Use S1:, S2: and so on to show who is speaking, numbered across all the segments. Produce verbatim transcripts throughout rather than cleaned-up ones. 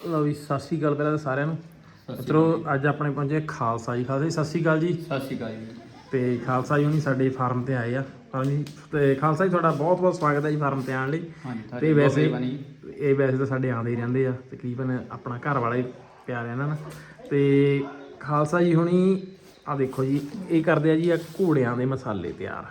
S1: ਲਓ ਜੀ ਸਤਿ ਸ਼੍ਰੀ ਅਕਾਲ ਪਹਿਲਾਂ ਤਾਂ ਸਾਰਿਆਂ ਨੂੰ। ਮਿੱਤਰੋ ਅੱਜ ਆਪਣੇ ਪਹੁੰਚੇ ਖਾਲਸਾ ਜੀ। ਖਾਲਸਾ ਜੀ ਸਤਿ ਸ਼੍ਰੀ ਅਕਾਲ ਜੀ।
S2: ਸਤਿ ਸ਼੍ਰੀ ਅਕਾਲ ਜੀ।
S1: ਤੇ ਖਾਲਸਾ ਜੀ ਹੁਣੀ ਸਾਡੇ ਫਾਰਮ ਤੇ ਆਏ ਆ। ਹਾਂਜੀ ਤੇ ਖਾਲਸਾ ਜੀ ਤੁਹਾਡਾ ਬਹੁਤ ਬਹੁਤ ਸਵਾਗਤ ਹੈ ਜੀ ਫਾਰਮ ਤੇ ਆਉਣ ਲਈ। ਤੇ ਵੈਸੇ ਇਹ ਵੈਸੇ ਤਾਂ ਸਾਡੇ ਆਉਂਦੇ ਹੀ ਰਹਿੰਦੇ ਆ, ਤਕਰੀਬਨ ਆਪਣਾ ਘਰ ਵਾਲਾ ਹੀ ਪਿਆਰ ਇਹਨਾਂ ਨਾਲ। ਤੇ ਖਾਲਸਾ ਜੀ ਹੁਣੀ ਆ ਦੇਖੋ ਜੀ ਇਹ ਕਰਦੇ ਆ ਜੀ ਆ ਘੋੜਿਆਂ ਦੇ ਮਸਾਲੇ ਤਿਆਰ,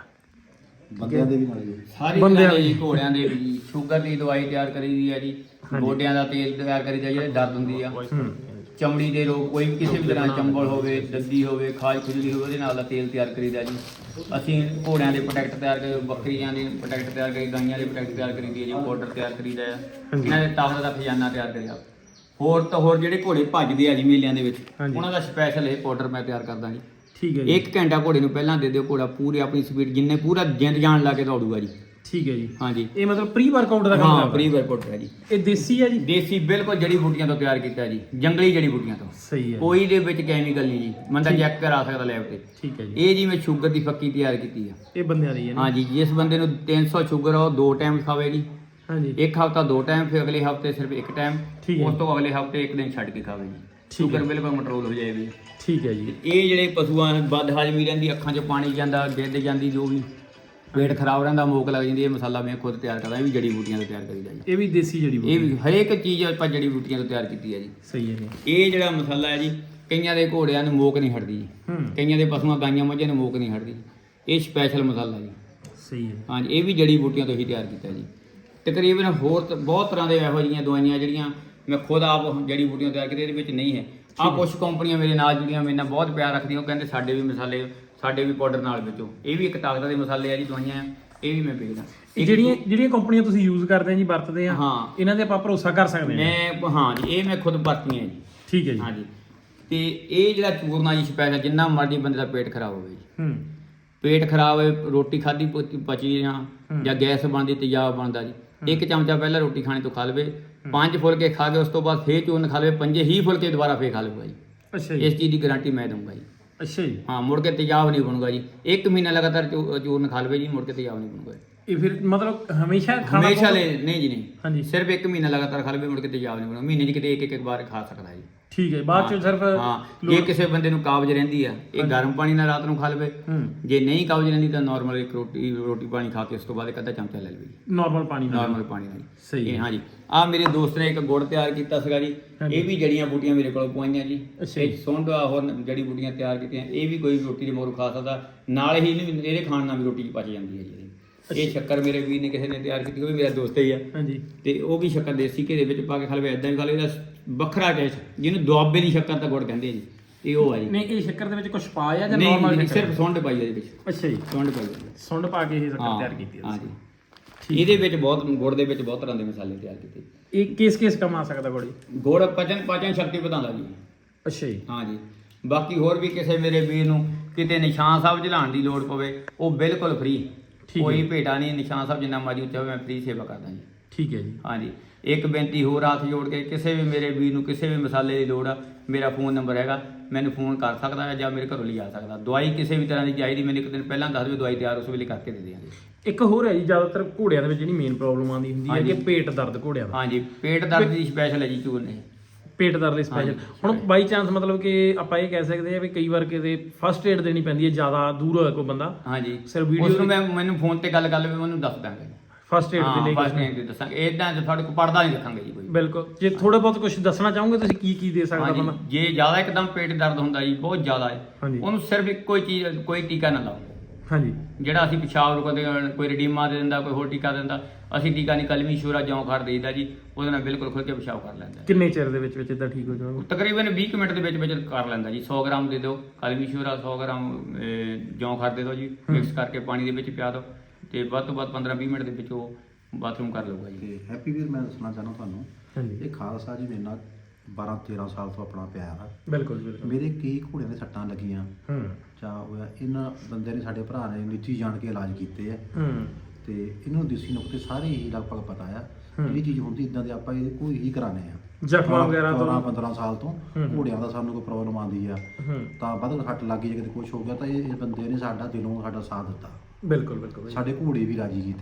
S2: ਬੰਦਿਆਂ ਦੇ ਵੀ ਨਾਲ ਜੀ, ਸਾਰੇ ਬੰਦਿਆਂ ਦੇ ਜੀ, ਘੋੜਿਆਂ ਦੇ ਵੀ। ਸ਼ੂਗਰ ਦੀ ਦਵਾਈ ਤਿਆਰ ਕਰੀ ਦੀ ਆ ਜੀ, ਗੋਡਿਆਂ ਦਾ ਤੇਲ ਤਿਆਰ ਕਰੀ ਦਾ ਜਿਹੜੇ ਦਰਦ ਹੁੰਦੀ ਆ, ਚਮੜੀ ਦੇ ਰੋਗ, ਕੋਈ ਵੀ ਕਿਸੇ ਵੀ ਤਰ੍ਹਾਂ ਚੰਬਲ ਹੋਵੇ, ਦੱਦੀ ਹੋਵੇ, ਖਾਜ ਖੁਜਲੀ ਹੋਵੇ, ਉਹਦੇ ਨਾਲ ਦਾ ਤੇਲ ਤਿਆਰ ਕਰੀਦਾ ਜੀ। ਅਸੀਂ ਘੋੜਿਆਂ ਦੇ ਪ੍ਰੋਡਕਟ ਤਿਆਰ ਕਰੀ, ਬੱਕਰੀਆਂ ਦੇ ਪ੍ਰੋਡਕਟ ਤਿਆਰ ਕਰੀ, ਗਾਈਆਂ ਦੇ ਪ੍ਰੋਡਕਟ ਤਿਆਰ ਕਰੀ ਦੀ ਆ ਜੀ, ਪਾਊਡਰ ਤਿਆਰ ਕਰੀਦਾ ਆ, ਇਹਨਾਂ ਦੇ ਤਾਕਤ ਦਾ ਖਜ਼ਾਨਾ ਤਿਆਰ ਕਰੀਦਾ। ਹੋਰ ਤਾਂ ਹੋਰ ਜਿਹੜੇ ਘੋੜੇ ਭੱਜਦੇ ਆ ਜੀ ਮੇਲਿਆਂ ਦੇ ਵਿੱਚ, ਉਹਨਾਂ ਦਾ ਸਪੈਸ਼ਲ ਇਹ ਪਾਊਡਰ ਮੈਂ ਤਿਆਰ ਕਰਦਾ ਜੀ।
S1: ਠੀਕ ਹੈ ਜੀ।
S2: ਇੱਕ ਘੰਟਾ ਘੋੜੇ ਨੂੰ ਪਹਿਲਾਂ ਦੇ ਦਿਓ, ਘੋੜਾ ਪੂਰੀ ਆਪਣੀ ਸਪੀਡ ਜਿੰਨੇ ਪੂਰਾ ਜਿੰਦ ਜਾਣ ਲਾ ਕੇ ਦੌੜੂਗਾ ਜੀ।
S1: ਠੀਕ ਹੈ ਜੀ।
S2: ਹਾਂਜੀ,
S1: ਇਹ ਮਤਲਬ ਪ੍ਰੀ ਵਰਕਆਊਟ ਦਾ ਕੰਮ
S2: ਹਾਂ,
S1: ਕਰਦਾ।
S2: ਪ੍ਰੀ ਵਰਕਆਊਟ ਹੈ ਜੀ।
S1: ਇਹ ਦੇਸੀ ਹੈ ਜੀ?
S2: ਦੇਸੀ ਬਿਲਕੁਲ ਜੜੀ ਬੂਟੀਆਂ ਤੋਂ ਤਿਆਰ ਕੀਤਾ ਜੀ, ਜੰਗਲੀ ਜੜੀ ਬੂਟੀਆਂ ਤੋਂ।
S1: ਸਹੀ ਹੈ।
S2: ਕੋਈ ਦੇ ਵਿੱਚ ਕੈਮੀਕਲ ਨਹੀਂ ਜੀ, ਬੰਦਾ ਚੈੱਕ ਕਰਾ ਸਕਦਾ ਲੈਬ ਤੇ।
S1: ਠੀਕ ਹੈ ਜੀ।
S2: ਇਹ ਜੀ ਮੈਂ ਸ਼ੂਗਰ ਦੀ ਫੱਕੀ ਤਿਆਰ ਕੀਤੀ ਆ।
S1: ਇਹ ਬੰਦਿਆਂ ਦੀ ਹੈ ਨਾ?
S2: ਹਾਂਜੀ, ਜਿਸ ਬੰਦੇ ਨੂੰ ਤਿੰਨ ਸੌ ਸ਼ੂਗਰ ਆ ਉਹ ਦੋ ਟਾਈਮ ਖਾਵੇ ਜੀ।
S1: ਹਾਂਜੀ,
S2: ਇੱਕ ਹਫਤਾ ਦੋ ਟਾਈਮ, ਫਿਰ ਅਗਲੇ ਹਫਤੇ ਸਿਰਫ ਇੱਕ ਟਾਈਮ,
S1: ਠੀਕ ਹੈ।
S2: ਉਸ ਤੋਂ ਅਗਲੇ ਹਫਤੇ ਇੱਕ ਦਿਨ ਛੱਡ ਕੇ ਖਾਵੇ ਜੀ। ਸ਼ੂਗਰ ਬਿਲਕੁਲ ਕੰਟਰੋਲ ਹੋ ਜਾਏਗੀ।
S1: ਠੀਕ ਹੈ ਜੀ।
S2: ਇਹ ਜਿਹੜੇ ਪਸ਼ੂਆਂ ਬਦ ਹਜਮੀ ਰਹਿੰਦੀ, ਅੱਖਾਂ 'ਚ ਪਾਣੀ ਜਾਂਦਾ, ਗਿੱਦ ਜਾਂਦੀ, ਜੋ ਵੀ ਪੇਟ ਖਰਾਬ ਰਹਿੰਦਾ, ਮੋਕ ਲੱਗ ਜਾਂਦੀ, ਇਹ ਮਸਾਲਾ ਮੈਂ ਖੁਦ ਤਿਆਰ ਕਰਦਾ। ਇਹ ਵੀ ਜੜੀ ਬੂਟੀਆਂ ਤੋਂ ਤਿਆਰ ਕਰੀਦਾ ਜੀ।
S1: ਇਹ ਵੀ ਦੇਸੀ ਜੜੀ ਬੂਟੀ?
S2: ਇਹ ਵੀ ਹਰੇਕ ਚੀਜ਼ ਆਪਾਂ ਜੜੀ ਬੂਟੀਆਂ ਤੋਂ ਤਿਆਰ ਕੀਤੀ ਹੈ ਜੀ।
S1: ਸਹੀ ਹੈ ਜੀ।
S2: ਇਹ ਜਿਹੜਾ ਮਸਾਲਾ ਹੈ ਜੀ, ਕਈਆਂ ਦੇ ਘੋੜਿਆਂ ਨੂੰ ਮੋਕ ਨਹੀਂ ਹਟਦੀ ਜੀ, ਕਈਆਂ ਦੇ ਪਸ਼ੂਆਂ ਗਾਈਆਂ ਮੱਝਾਂ ਨੂੰ ਮੋਕ ਨਹੀਂ ਹਟਦੀ। ਇਹ ਸਪੈਸ਼ਲ ਮਸਾਲਾ ਜੀ।
S1: ਸਹੀ ਹੈ।
S2: ਹਾਂਜੀ, ਇਹ ਵੀ ਜੜੀ ਬੂਟੀਆਂ ਤੋਂ ਹੀ ਤਿਆਰ ਕੀਤਾ ਜੀ। ਤਕਰੀਬਨ ਹੋਰ ਬਹੁਤ ਤਰ੍ਹਾਂ ਦੇ ਇਹੋ ਜਿਹੀਆਂ ਦਵਾਈਆਂ ਜਿਹੜੀਆਂ ਮੈਂ ਖੁਦ ਆਪ ਜੜੀ ਬੂਟੀਆਂ ਤਿਆਰ ਕੀਤੀਆਂ, ਇਹਦੇ ਵਿੱਚ ਨਹੀਂ ਹੈ। ਆਹ ਕੁਛ ਕੰਪਨੀਆਂ ਮੇਰੇ ਨਾਲ ਜੁੜੀਆਂ, ਮੇਰੇ ਨਾਲ ਬਹੁਤ ਪਿਆਰ ਰੱਖਦੀਆਂ, ਉਹ ਕਹਿੰਦੇ ਸਾਡੇ ਵੀ ਮਸਾਲੇ, ਸਾਡੇ ਵੀ ਪਾਊਡਰ ਨਾਲ ਵੇਚੋ। ਇਹ ਵੀ ਇੱਕ ਤਾਕਤ ਦੇ ਮਸਾਲੇ ਆ ਜੀ, ਦਵਾਈਆਂ ਆ, ਇਹ ਵੀ ਮੈਂ ਵੇਚਦਾ।
S1: ਜਿਹੜੀਆਂ ਜਿਹੜੀਆਂ ਕੰਪਨੀਆਂ ਤੁਸੀਂ ਯੂਜ਼ ਕਰਦੇ ਆ ਜੀ, ਵਰਤਦੇ ਆ,
S2: ਹਾਂ,
S1: ਇਹਨਾਂ ਤੇ ਆਪਾਂ ਭਰੋਸਾ ਕਰ ਸਕਦੇ ਹਾਂ?
S2: ਮੈਂ ਹਾਂ ਜੀ, ਇਹ ਮੈਂ ਖੁਦ ਵਰਤੀਆਂ ਜੀ। ਠੀਕ ਹੈ ਜੀ। ਹਾਂਜੀ, ਤੇ ਇਹ ਜਿਹੜਾ ਚੂਰਨਾ ਜੀ ਸਪੈਸ਼ਲ, ਜਿੰਨਾ ਮਰਜ਼ੀ ਬੰਦੇ ਦਾ ਪੇਟ ਖਰਾਬ ਹੋਵੇ ਜੀ,
S1: ਹੂੰ,
S2: ਪੇਟ ਖਰਾਬ ਹੋਵੇ, ਰੋਟੀ ਖਾਧੀ ਪਚੀ ਜਾਂ ਜਾਂ ਗੈਸ ਬਣਦੀ, ਤੇਜ਼ਾਬ ਬਣਦਾ ਜੀ, ਇੱਕ ਚਮਚਾ ਪਹਿਲਾਂ ਰੋਟੀ ਖਾਣੇ ਤੋਂ ਖਾ ਲਵੇ, ਪੰਜ ਫੁਲਕੇ ਖਾ ਕੇ ਉਸ ਤੋਂ ਬਾਅਦ ਫੇਰ ਚੂਰਨ ਖਾ ਲਵੇ, ਪੰਜੇ ਹੀ ਫੁਲਕੇ ਦੁਬਾਰਾ ਫੇਰ ਖਾ ਲਊਗਾ ਜੀ।
S1: ਅੱਛਾ ਜੀ।
S2: ਇਸ ਚੀਜ਼ ਦੀ ਗਾਰੰਟੀ ਮੈਂ ਦਊਂਗਾ ਜੀ।
S1: ਅੱਛਾ ਜੀ।
S2: ਹਾਂ, ਮੁੜ ਕੇ ਤੇਜ਼ਾਬ ਨਹੀਂ ਬਣੂਗਾ ਜੀ। ਇੱਕ ਮਹੀਨਾ ਲਗਾਤਾਰ ਚੂਰਨ ਖਾ ਲਵੇ ਜੀ, ਮੁੜ ਕੇ ਤੇਜ਼ਾਬ ਨਹੀਂ ਬਣੂਗਾ।
S1: ਇਹ ਫਿਰ ਮਤਲਬ ਹਮੇਸ਼ਾ ਖਾਣਾ?
S2: ਹਮੇਸ਼ਾ ਲੈ ਨਹੀਂ ਜੀ, ਨਹੀਂ।
S1: ਹਾਂਜੀ,
S2: ਸਿਰਫ ਇੱਕ ਮਹੀਨਾ ਲਗਾਤਾਰ ਖਾ ਲਵੇ, ਮੁੜ ਕੇ ਤੇਜ਼ਾਬ ਨਹੀਂ ਬਣੂਗਾ। ਮਹੀਨੇ 'ਚ ਕਿਤੇ ਇੱਕ ਇੱਕ ਵਾਰ ਖਾ ਸਕਦਾ ਜੀ।
S1: ਠੀਕ ਹੈ। ਬਾਅਦ ਚ ਸਿਰਫ
S2: ਹਾਂ, ਜੇ ਕਿਸੇ ਬੰਦੇ ਨੂੰ ਕਾਬਜ਼ ਰਹਿੰਦੀ ਆ, ਇਹ ਗਰਮ ਪਾਣੀ ਨਾਲ ਰਾਤ ਨੂੰ ਖਾ ਲਵੇ। ਜੇ ਨਹੀਂ ਕਾਬਜ਼ ਰਹਿੰਦੀ ਤਾਂ ਨਾਰਮਲ ਇੱਕ ਰੋਟੀ ਰੋਟੀ ਪਾਣੀ ਖਾ ਕੇ ਉਸ ਤੋਂ ਬਾਅਦ ਇੱਕ ਅੱਧਾ ਚਮਚਾ ਲੈ ਲਵੇ ਜੀ,
S1: ਨਾਰਮਲ ਪਾਣੀ ਨਾਲ।
S2: ਨਾਰਮਲ ਪਾਣੀ ਨਾਲ।
S1: ਸਹੀ ਹੈ।
S2: ਹਾਂਜੀ, ਆਹ ਮੇਰੇ ਦੋਸਤ ਨੇ ਇੱਕ ਗੁੜ ਤਿਆਰ ਕੀਤਾ ਸੀਗਾ ਜੀ, ਇਹ ਵੀ ਜੜੀਆਂ ਬੂਟੀਆਂ ਮੇਰੇ ਕੋਲ ਪਵਾਈਆਂ ਜੀ। ਇਹ ਸੁੰਡ ਹੋਰ ਜੜੀ ਬੂਟੀਆਂ ਤਿਆਰ ਕੀਤੀਆਂ, ਇਹ ਵੀ ਕੋਈ ਰੋਟੀ ਦੇ ਮੋਰ ਖਾ ਸਕਦਾ, ਨਾਲ ਹੀ ਇਹਦੇ ਖਾਣ ਨਾਲ ਵੀ ਰੋਟੀ ਪਚ ਜਾਂਦੀ ਹੈ ਜੀ। ਇਹ ਸ਼ੱਕਰ ਮੇਰੇ ਵੀਰ ਨੇ ਕਿਸੇ ਨੇ ਤਿਆਰ ਕੀਤੀ, ਉਹ ਵੀ ਮੇਰਾ ਦੋਸਤ ਹੀ ਆ। ਹਾਂਜੀ, ਤੇ ਉਹ ਵੀ ਸ਼ੱਕਰ ਦੇਸੀ ਘੇ ਦੇ ਵਿੱਚ ਪਾ ਕੇ ਖਾ ਲਵੇ, ਇਦਾਂ ਵੀ ਖਾ ਲਵੇ। ਇਹਦਾ ਵੱਖਰਾ ਟੇਸਟ, ਜਿਹਨੂੰ ਦੁਆਬੇ ਦੀ ਸ਼ੱਕਰ ਤਾਂ ਗੁੜ ਕਹਿੰਦੇ ਆ ਜੀ, ਇਹ ਉਹ ਆ ਜੀ।
S1: ਨਹੀਂ, ਇਹ ਸ਼ੱਕਰ ਦੇ ਵਿੱਚ ਕੁਝ ਪਾਇਆ ਜਾਂ ਨਾਰਮਲ?
S2: ਨਹੀਂ, ਸਿਰਫ ਸੁੰਡ ਪਾਈ ਇਹਦੇ ਵਿੱਚ।
S1: ਅੱਛਾ ਜੀ,
S2: ਸੁੰਡ ਪਾਈ,
S1: ਸੁੰਡ ਪਾ ਕੇ ਇਹ ਸ਼ੱਕਰ ਤਿਆਰ ਕੀਤੀ ਹੈ?
S2: ਹਾਂਜੀ। ਇਹਦੇ ਵਿੱਚ ਬਹੁਤ, ਗੁੜ ਦੇ ਵਿੱਚ ਬਹੁਤ ਤਰ੍ਹਾਂ ਦੇ ਮਸਾਲੇ ਤਿਆਰ ਕੀਤੇ।
S1: ਇਹ ਕਿਸ ਕਿਸ ਕੰਮ ਆ ਸਕਦਾ ਗੁੜ? ਗੁੜ
S2: ਪਚਨ ਪਾਚਨ ਸ਼ਕਤੀ ਵਧਾਉਂਦਾ ਜੀ।
S1: ਅੱਛਾ ਜੀ।
S2: ਹਾਂਜੀ, ਬਾਕੀ ਹੋਰ ਵੀ ਕਿਸੇ ਮੇਰੇ ਵੀਰ ਨੂੰ ਕਿਤੇ ਨਿਸ਼ਾਨ ਸਾਹਿਬ ਚਲਾਉਣ ਦੀ ਲੋੜ ਪਵੇ, ਉਹ ਬਿਲਕੁਲ ਫ੍ਰੀ, ਕੋਈ ਭੇਟਾ ਨਹੀਂ। ਨਿਸ਼ਾਨ ਸਾਹਿਬ ਜਿੰਨਾ ਮਰਜ਼ੀ ਉੱਚਾ ਹੋਵੇ, ਮੈਂ ਫ੍ਰੀ ਸੇਵਾ ਕਰਦਾ ਜੀ। ਠੀਕ ਹੈ ਜੀ। ਹਾਂਜੀ, ਇੱਕ ਬੇਨਤੀ ਹੋਰ ਹੱਥ ਜੋੜ ਕੇ, ਕਿਸੇ ਵੀ ਮੇਰੇ ਵੀਰ ਨੂੰ ਕਿਸੇ ਵੀ ਮਸਾਲੇ ਦੀ ਲੋੜ ਆ, ਮੇਰਾ ਫੋਨ ਨੰਬਰ ਹੈਗਾ, ਮੈਨੂੰ ਫੋਨ ਕਰ ਸਕਦਾ ਹੈ ਜਾਂ ਮੇਰੇ ਘਰੋਂ ਲਿਜਾ ਸਕਦਾ। ਦਵਾਈ ਕਿਸੇ ਵੀ ਤਰ੍ਹਾਂ ਦੀ ਚਾਹੀਦੀ, ਮੈਨੂੰ ਇੱਕ ਦਿਨ ਪਹਿਲਾਂ ਦੱਸ ਦਿਓ, ਦਵਾਈ ਤਿਆਰ ਉਸ ਵੇਲੇ ਕਰਕੇ ਦੇ ਦਿਆਂਗੇ। ਇੱਕ ਹੋਰ ਹੈ ਜੀ, ਜ਼ਿਆਦਾਤਰ ਘੋੜਿਆਂ ਦੇ ਵਿੱਚ ਜਿਹੜੀ ਮੇਨ ਪ੍ਰੋਬਲਮ ਆਉਂਦੀ ਹੁੰਦੀ ਹੈ ਕਿ ਪੇਟ ਦਰਦ ਘੋੜਿਆਂ ਦਾ। ਹਾਂਜੀ, ਪੇਟ ਦਰਦ ਦੀ ਸਪੈਸ਼ਲ ਹੈ ਜੀ ਚੂਰਨੇ, ਪੇਟ ਦਰਦ ਦੀ ਸਪੈਸ਼ਲ। ਹੁਣ ਬਾਈ ਚਾਂਸ ਮਤਲਬ ਕਿ ਆਪਾਂ ਇਹ ਕਹਿ ਸਕਦੇ ਆ ਵੀ ਕਈ ਵਾਰ ਕਿਤੇ ਫਸਟ ਏਡ ਦੇਣੀ ਪੈਂਦੀ ਹੈ, ਜ਼ਿਆਦਾ ਦੂਰ ਹੋਇਆ ਕੋਈ ਬੰਦਾ। ਹਾਂਜੀ, ਸਿਰ ਵੀਡੀਓ ਨੂੰ ਮੈਂ ਮੈਨੂੰ ਫੋਨ ਤੇ ਗੱਲ ਕਰ ਲਵੇ, ਉਹਨੂੰ ਦੱਸ ਦਾਂਗੇ ਫਸਟ ਏਡ ਦੇ ਲਈ। ਫਸਟ ਏਡ ਦੇ ਦੱਸਾਂਗੇ, ਇਦਾਂ ਤੁਹਾਡੇ ਕੋਲ ਪੜਦਾ ਨਹੀਂ ਰੱਖਾਂਗੇ ਜੀ ਕੋਈ। ਬਿਲਕੁਲ। ਜੇ ਥੋੜਾ ਬਹੁਤ ਕੁਝ ਦੱਸਣਾ ਚਾਹੋਗੇ ਤੁਸੀਂ, ਕੀ ਕੀ ਦੇ ਸਕਦਾ ਬੰਦਾ? ਜੇ ਜ਼ਿਆਦਾ ਇੱਕਦਮ ਪੇਟ ਦਰਦ ਹੁੰਦਾ ਜੀ, ਬਹੁਤ ਜ਼ਿਆਦਾ ਹੈ, ਉਹਨੂੰ ਸਿਰਫ ਇੱਕੋ ਹੀ ਚੀਜ਼, ਕੋਈ ਟੀਕਾ ਨਾ ਲਾਓ। ਹਾਂਜੀ, ਜਿਹੜਾ ਅਸੀਂ ਪਿਸ਼ਾਬ ਰੁਕਦੇ, ਕੋਈ ਰਡੀਮਾ ਦੇ ਦਿੰਦਾ, ਕੋਈ ਹੋਰ ਟੀਕਾ ਦਿੰਦਾ, ਅਸੀਂ ਟੀਕਾ ਨਹੀਂ, ਕਲਮੀ ਸ਼ੂਰਾ ਜੌਂ ਖੜ ਦੇਈਦਾ ਜੀ, ਉਹਦੇ ਨਾਲ ਬਿਲਕੁਲ ਖੁੱਲ ਕੇ ਪਿਸ਼ਾਬ ਕਰ ਲੈਂਦਾ। ਕਿੰਨੇ ਚਿਰ ਦੇ ਵਿੱਚ ਵਿੱਚ ਇਦਾਂ ਠੀਕ ਹੋ ਜਾਊਗਾ? ਤਕਰੀਬਨ ਵੀਹ ਮਿੰਟ ਦੇ ਵਿੱਚ ਵਿੱਚ ਕਰ ਲੈਂਦਾ ਜੀ। ਸੌ ਗ੍ਰਾਮ ਦੇ ਦਿਓ ਕਲਮੀ ਸ਼ੂਰਾ, ਸੌ ਗ੍ਰਾਮ ਜੌਂ ਖੜ ਦੇ ਦਿਓ ਜੀ, ਮਿਕਸ ਕਰਕੇ ਪਾਣੀ ਦੇ ਵਿੱਚ ਪਿਆ ਦਿਓ, ਤੇ ਵੱਧ ਤੋਂ ਵੱਧ ਪੰਦਰਾਂ ਵੀਹ ਮਿੰਟ ਦੇ ਵਿੱਚ ਉਹ ਬਾਥਰੂਮ ਕਰ ਲਊਗਾ ਜੀ।
S3: ਹੈਪੀ ਵੀਰ, ਮੈਂ ਦੱਸਣਾ ਚਾਹੁੰਦਾ ਤੁਹਾਨੂੰ, ਇਹ ਖਾਲਸਾ ਜੀ ਮੇਰੇ ਨਾਲ ਬਾਰਾਂ ਤੇਰਾਂ ਸਾਲ ਤੋਂ ਆਪਣਾ ਪਿਆਰ ਆ। ਬਿਲਕੁਲ ਬਿਲਕੁਲ। ਮੇਰੇ ਕਈ ਘੋੜਿਆਂ ਦੇ ਸੱਟਾਂ ਲੱਗੀਆਂ, ਚਾਹ ਹੋਇਆ, ਇਹਨਾਂ ਬੰਦੇ ਨੇ, ਸਾਡੇ ਭਰਾ ਨੇ ਨਿੱਜੀ ਜਾਣ ਕੇ ਇਲਾਜ ਕੀਤੇ ਆ, ਤੇ ਇਹਨਾਂ ਨੂੰ ਦੇਸੀ ਨੁਕਤੇ ਸਾਰੇ ਹੀ ਲਗਭਗ ਪਤਾ ਆ। ਜਿਹੜੀ ਚੀਜ਼ ਹੁੰਦੀ ਇਦਾਂ ਦੇ ਆਪਾਂ ਇਹ ਕੋਈ ਹੀ ਕਰਾਣੇ ਆ। ਜ਼ਖਮਾਂ ਵਗੈਰਾ ਤੋਂ ਪੰਦਰਾਂ ਸਾਲ ਤੋਂ ਘੋੜਿਆਂ ਦਾ ਸਾਨੂੰ ਕੋਈ ਪ੍ਰੋਬਲਮ ਆਉਂਦੀ ਆ, ਤਾਂ ਵੱਧ ਘੱਟ ਲੱਗ ਗਈ, ਜੇ ਕਿਤੇ ਕੁਛ ਹੋ ਗਿਆ ਤਾਂ ਇਹ ਬੰਦੇ ਨੇ ਸਾਡਾ ਦਿਲੋਂ ਸਾਡਾ ਸਾਥ ਦਿੱਤਾ। ਬਿਲਕੁਲ ਬਿਲਕੁਲ। ਸਾਡੇ ਘੋੜੇ ਵੀ ਰਾਜੀ ਕੀਤੇ,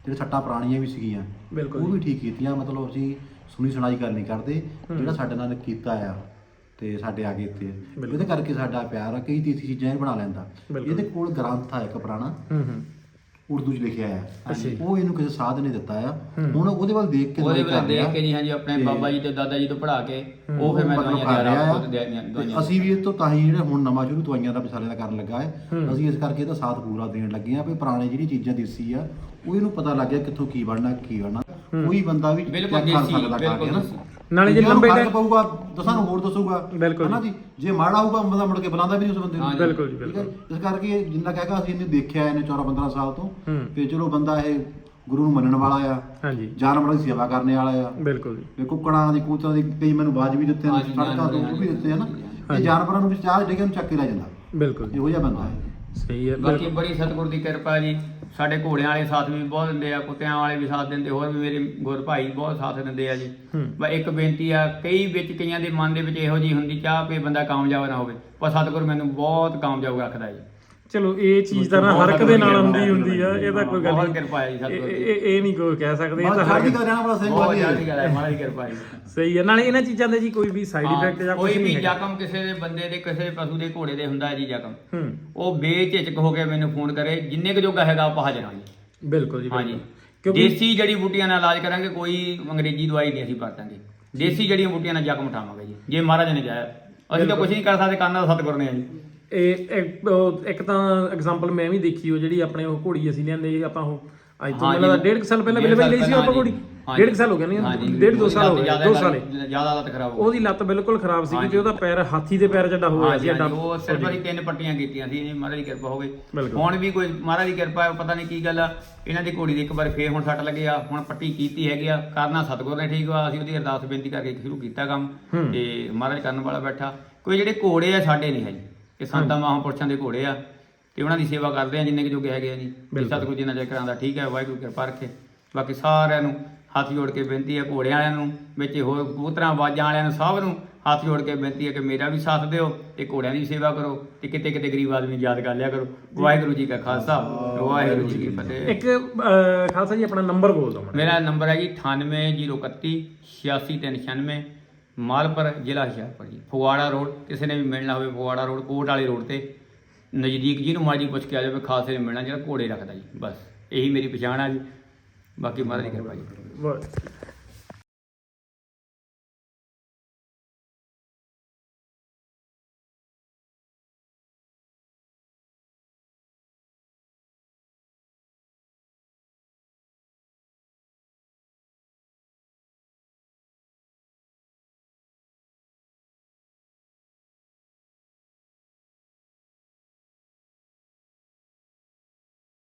S3: ਜਿਹੜੇ ਸੱਟਾਂ ਪੁਰਾਣੀਆਂ ਵੀ ਸੀਗੀਆਂ
S1: ਬਿਲਕੁਲ
S3: ਉਹ ਵੀ ਠੀਕ ਕੀਤੀਆਂ। ਮਤਲਬ ਅਸੀਂ ਸੁਣੀ ਸੁਣਾਈ ਗੱਲ ਨਹੀਂ ਕਰਦੇ, ਜਿਹੜਾ ਸਾਡੇ ਨਾਲ ਕੀਤਾ ਆ ਤੇ ਸਾਡੇ ਆ ਗਏ ਇੱਥੇ, ਇਹਦੇ ਕਰਕੇ ਸਾਡਾ ਪਿਆਰ ਆ। ਕਈ ਤੀਸੀ ਚੀਜ਼ਾਂ ਇਹ ਬਣਾ ਲੈਂਦਾ। ਇਹਦੇ ਕੋਲ ਗ੍ਰੰਥ ਆ ਇੱਕ ਪੁਰਾਣਾ ਉਰਦੂ 'ਚ ਲਿਖਿਆ ਆ, ਉਹ ਇਹਨੂੰ ਕਿਸੇ ਸਾਧ ਨੇ ਦਿੱਤਾ ਆ। ਹੁਣ ਉਹਦੇ ਵੱਲ ਦੇਖ ਕੇ
S2: ਉਹਦੇ ਵੱਲ ਦੇਖ ਕੇ ਜੀ ਹਾਂਜੀ ਆਪਣੇ ਬਾਬਾ ਜੀ ਤੇ ਦਾਦਾ ਜੀ ਤੋਂ ਪੜ੍ਹਾ ਕੇ ਉਹ ਫਿਰ ਮੈਂ ਦਵਾਈਆਂ ਦੇ ਆਪ ਖੁਦ ਦਵਾਈਆਂ।
S3: ਅਸੀਂ ਵੀ ਇਹ ਤੋਂ ਤਾਂ ਹੀ ਜਿਹੜਾ ਹੁਣ ਨਵਾਂ ਸ਼ੁਰੂ ਦਵਾਈਆਂ ਦਾ ਮਸਾਲੇ ਦਾ ਕਰਨ ਲੱਗਾ ਹੈ, ਅਸੀਂ ਇਸ ਕਰਕੇ ਇਹਦਾ ਸਾਥ ਪੂਰਾ ਦੇਣ ਲੱਗੇ ਆ ਵੀ ਪੁਰਾਣੇ ਜਿਹੜੀ ਚੀਜ਼ਾਂ ਦੇਸੀ ਆ ਉਹ ਇਹਨੂੰ ਪਤਾ ਲੱਗ ਗਿਆ ਕਿੱਥੋਂ ਕੀ ਬਣਨਾ ਕੀ ਬਣਨਾ। ਕੋਈ ਬੰਦਾ ਵੀ
S2: ਬਿਲਕੁਲ
S3: ਕਰ
S2: ਦੇਸੀ
S3: ਸਕਦਾ ਖਾ ਕੇ ਨਾ,
S1: ਨਾਲੇ ਜੇ ਲੰਬੇ
S3: ਟਾਈਮ ਪਊਗਾ ਦਸਾਂ ਨੂੰ ਹੋਰ ਦੱਸੂਗਾ ਹਨਾ ਜੀ। ਜੇ ਮਾੜਾ ਹੋਊਗਾ ਬੰਦਾ ਮੁੜ ਕੇ ਬੁਲਾਉਂਦਾ ਵੀ ਨਹੀਂ ਉਸ ਬੰਦੇ ਨੂੰ।
S1: ਬਿਲਕੁਲ ਜੀ ਬਿਲਕੁਲ।
S3: ਇਸ ਕਰਕੇ ਜਿੰਨਾ ਕਹੇਗਾ ਅਸੀਂ ਇਹਨੂੰ ਦੇਖਿਆ ਇਹਨੇ ਚੌਦਾਂ ਪੰਦਰਾਂ ਸਾਲ ਤੋਂ ਤੇ ਚਲੋ ਬੰਦਾ ਇਹ ਗੁਰੂ ਨੂੰ ਮੰਨਣ ਵਾਲਾ ਆ, ਹਾਂਜੀ ਜਾਨਵਰਾਂ ਦੀ ਸੇਵਾ ਕਰਨ ਵਾਲਾ ਆ।
S1: ਬਿਲਕੁਲ ਜੀ।
S3: ਤੇ ਕੁੱਕੜਾਂ ਦੀ ਕਬੂਤਰਾਂ ਦੀ ਕਈ ਮੈਨੂੰ ਬਾਜ ਵੀ ਦਿੱਤੇ ਨੇ, ਸੜਕਾਂ ਤੋਂ ਉਹ ਵੀ ਦਿੱਤੇ ਹਨ। ਇਹ ਜਾਨਵਰਾਂ ਨੂੰ ਵੀ ਚਾਹ ਦੇ ਕੇ ਉਹਨੂੰ ਚੱਕ ਕੇ ਲੈ ਜਾਂਦਾ।
S1: ਬਿਲਕੁਲ
S3: ਇਹੋ ਜਿਹਾ ਬੰਦਾ ਹੈ।
S1: ਸਹੀ ਹੈ।
S2: ਬਾਕੀ ਬੜੀ ਸਤਿਗੁਰ ਦੀ ਕਿਰਪਾ ਜੀ, ਸਾਡੇ ਘੋੜਿਆਂ ਵਾਲੇ ਸਾਥ ਵੀ ਬਹੁਤ ਦਿੰਦੇ ਆ, ਕੁੱਤਿਆਂ ਵਾਲੇ ਵੀ ਸਾਥ ਦਿੰਦੇ, ਹੋਰ ਵੀ ਮੇਰੇ ਗੁਰ ਭਾਈ ਬਹੁਤ ਸਾਥ ਦਿੰਦੇ ਆ ਜੀ। ਬਸ ਇੱਕ ਬੇਨਤੀ ਆ, ਕਈ ਵਿੱਚ ਕਈਆਂ ਦੇ ਮਨ ਦੇ ਵਿੱਚ ਇਹੋ ਜਿਹੀ ਹੁੰਦੀ ਚਾਹ ਵੀ ਬੰਦਾ ਕਾਮਯਾਬ ਨਾ ਹੋਵੇ, ਪਰ ਸਤਿਗੁਰ ਮੈਨੂੰ ਬਹੁਤ ਕਾਮਯਾਬ ਰੱਖਦਾ ਜੀ।
S1: ਚਲੋ ਇਹ ਚੀਜ਼ ਤਾਂ ਨਾ ਹਰ ਇੱਕ ਦੇ ਨਾਲ ਹੁੰਦੀ ਹੁੰਦੀ ਆ, ਇਹ ਤਾਂ ਕੋਈ ਗੱਲ
S2: ਬਹੁਤ
S1: ਨਹੀਂ।
S2: ਕਿਰਪਾ ਹੈ ਜੀ ਸਤਿਗੁਰ ਦੀ।
S1: ਇਹ ਇਹ ਨਹੀਂ ਕੋਈ ਕਹਿ ਸਕਦੇ, ਇਹ ਤਾਂ ਹਰ
S3: ਚੜ੍ਹਦੀ ਕਲਾ ਰਹਿਣਾ ਬੜਾ ਸਹੀ
S2: ਬਹੁਤ
S3: ਗੱਲ
S2: ਚੜ੍ਹਦੀ ਕਲਾ ਹੈ, ਮਹਾਰਾਜ ਦੀ ਕਿਰਪਾ ਹੈ।
S1: ਸਹੀ ਹੈ। ਨਾਲੇ ਇਹਨਾਂ ਚੀਜ਼ਾਂ ਦੇ ਜੀ ਕੋਈ ਵੀ ਸਾਈਡ ਇਫੈਕਟ ਜਾਂ
S2: ਕੋਈ
S1: ਕੁਝ
S2: ਵੀ
S1: ਨਹੀਂ
S2: ਜ਼ਖਮ ਕਿਸੇ ਦੇ ਬੰਦੇ ਦੇ ਕਿਸੇ ਪਸ਼ੂ ਦੇ ਘੋੜੇ ਦੇ ਹੁੰਦਾ ਹੈ ਜੀ ਜ਼ਖਮ,
S1: ਹੂੰ
S2: ਉਹ ਬੇਝਿਜਕ ਹੋ ਕੇ ਮੈਨੂੰ ਫੋਨ ਕਰੇ, ਜਿੰਨੇ ਕੁ ਜੋਗਾ ਹੈਗਾ ਆਪਾਂ ਹਾਜ਼ਰ ਹਾਂ ਜੀ।
S1: ਬਿਲਕੁਲ ਜੀ
S2: ਹਾਂਜੀ,
S1: ਕਿਉਂਕਿ
S2: ਦੇਸੀ ਜੜੀ ਬੂਟੀਆਂ ਨਾਲ ਇਲਾਜ ਕਰਾਂਗੇ, ਕੋਈ ਅੰਗਰੇਜ਼ੀ ਦਵਾਈ ਨਹੀਂ ਅਸੀਂ ਵਰਤਾਂਗੇ। ਦੇਸੀ ਜੜੀਆਂ ਬੂਟੀਆਂ ਨਾਲ ਜ਼ਖਮ ਉਠਾਵਾਂਗੇ ਜੀ, ਜੇ ਮਹਾਰਾਜ ਨੇ ਚਾਹਿਆ। ਅਸੀਂ ਤਾਂ ਕੁਝ ਨਹੀਂ ਕਰ ਸਕਦੇ, ਕਰਨਾ ਤਾਂ ਸਤਿਗੁਰ ਨੇ ਆ ਜੀ।
S1: ਇਹ ਇੱਕ ਉਹ- ਇੱਕ ਤਾਂ ਐਗਜ਼ਾਮਪਲ ਮੈਂ ਵੀ ਦੇਖੀ, ਉਹ ਜਿਹੜੀ ਆਪਣੇ ਉਹ ਘੋੜੀ ਅਸੀਂ ਲਿਆਂਦੇ ਆਪਾਂ ਉਹ ਅੱਜ ਤੋਂ ਮੈਨੂੰ ਲੱਗਦਾ ਡੇਢ ਕੁ ਸਾਲ ਪਹਿਲਾਂ ਬਿਲਕੁਲ ਲਈ ਸੀ ਆਪਾਂ ਘੋੜੀ, ਡੇਢ ਕੁ ਸਾਲ ਹੋ ਗਿਆ ਨਹੀਂ, ਡੇਢ ਦੋ ਸਾਲ ਹੋ ਗਏ, ਦੋ ਸਾਲ
S2: ਜ਼ਿਆਦਾ ਲੱਤ ਖਰਾਬ ਹੋ
S1: ਉਹਦੀ ਲੱਤ ਬਿਲਕੁਲ ਖਰਾਬ ਸੀਗੀ ਤੇ ਉਹਦਾ ਪੈਰ ਹਾਥੀ ਦੇ ਪੈਰ ਜੱਡਾ ਹੋਇਆ ਸੀ।
S2: ਗਈ। ਉਹ ਸਿਰਫ ਅਸੀਂ ਤਿੰਨ ਪੱਟੀਆਂ ਕੀਤੀਆਂ ਸੀ ਜੀ, ਮਹਾਰਾਜ ਦੀ ਕਿਰਪਾ ਹੋ ਗਈ। ਹੁਣ ਵੀ ਕੋਈ ਮਹਾਰਾਜ ਦੀ ਕਿਰਪਾ ਹੈ, ਪਤਾ ਨਹੀਂ ਕੀ ਗੱਲ ਆ, ਇਹਨਾਂ ਦੀ ਘੋੜੀ ਦੀ ਇੱਕ ਵਾਰ ਫੇਰ ਹੁਣ ਸੱਟ ਲੱਗੇ ਆ, ਹੁਣ ਪੱਟੀ ਕੀਤੀ ਹੈਗੀ ਆ, ਕਰਨਾ ਸਤਿਗੁਰ ਨੇ ਠੀਕ ਵਾ। ਅਸੀਂ ਉਹਦੀ ਅਰਦਾਸ ਬੇਨਤੀ ਕਰਕੇ ਸ਼ੁਰੂ ਕੀਤਾ ਕੰਮ ਤੇ ਮਹਾਰਾਜ ਕਰਨ ਵਾਲਾ ਬੈਠਾ। ਕੋਈ ਜਿਹੜੇ ਘੋੜੇ ਆ ਸਾਡੇ ਨਹੀਂ ਹੈ ਜੀ, ਇਹ ਸੰਤਾਂ ਮਹਾਂਪੁਰਸ਼ਾਂ ਦੇ ਘੋੜੇ ਆ ਤੇ ਉਹਨਾਂ ਦੀ ਸੇਵਾ ਕਰਦੇ ਆ ਜਿੰਨੇ ਕੁ ਜੋਗੇ ਹੈਗੇ ਆ ਜੀ। ਸਤਿਗੁਰੂ ਜੀ ਨਾਲ ਜੇ ਕਰਾਂਦਾ ਠੀਕ ਹੈ, ਵਾਹਿਗੁਰੂ ਕਿਰਪਾ ਰੱਖੇ। ਬਾਕੀ ਸਾਰਿਆਂ ਨੂੰ ਹੱਥ ਜੋੜ ਕੇ ਬੇਨਤੀ ਹੈ, ਘੋੜਿਆਂ ਵਾਲਿਆਂ ਨੂੰ ਵਿੱਚ ਹੋਰ ਕਬੂਤਰਾਂ ਬਾਜਾਂ ਵਾਲਿਆਂ ਨੂੰ ਸਭ ਨੂੰ ਹੱਥ ਜੋੜ ਕੇ ਬੇਨਤੀ ਹੈ ਕਿ ਮੇਰਾ ਵੀ ਸਾਥ ਦਿਓ ਤੇ ਘੋੜਿਆਂ ਦੀ ਸੇਵਾ ਕਰੋ ਤੇ ਕਿਤੇ ਕਿਤੇ ਗਰੀਬ ਆਦਮੀ ਯਾਦ ਕਰ ਲਿਆ ਕਰੋ। ਵਾਹਿਗੁਰੂ ਜੀ ਕਾ ਖਾਲਸਾ, ਵਾਹਿਗੁਰੂ ਜੀ ਕੀ ਫਤਿਹ।
S1: ਇੱਕ ਖਾਲਸਾ ਜੀ ਆਪਣਾ ਨੰਬਰ ਬੋਲ ਦਿਓ।
S2: ਮੇਰਾ ਨੰਬਰ ਹੈ ਜੀ ਅਠਾਨਵੇਂ ਜ਼ੀਰੋ ਇਕੱਤੀ ਛਿਆਸੀ ਤਿੰਨ ਛਿਆਨਵੇਂ, ਮਾਲਪੁਰ ਜ਼ਿਲ੍ਹਾ ਹੁਸ਼ਿਆਰਪੁਰ ਜੀ। ਫਗਵਾੜਾ ਰੋਡ, ਕਿਸੇ ਨੇ ਵੀ ਮਿਲਣਾ ਹੋਵੇ ਫਗਵਾੜਾ ਰੋਡ ਕੋਟ ਵਾਲੇ ਰੋਡ ਤੇ ਨਜ਼ਦੀਕ ਜਿਹਨੂੰ ਮਰਜ਼ੀ ਪੁੱਛ ਕੇ ਆ ਜਾਵੇ, ਖਾਲਸੇ ਨੇ ਮਿਲਣਾ ਜਿਹੜਾ ਘੋੜੇ ਰੱਖਦਾ ਜੀ। ਬਸ ਇਹੀ ਮੇਰੀ ਪਛਾਣ ਆ ਜੀ, ਬਾਕੀ ਮਹਾਰਾਜ ਦੀ ਕਿਰਪਾ ਜੀ।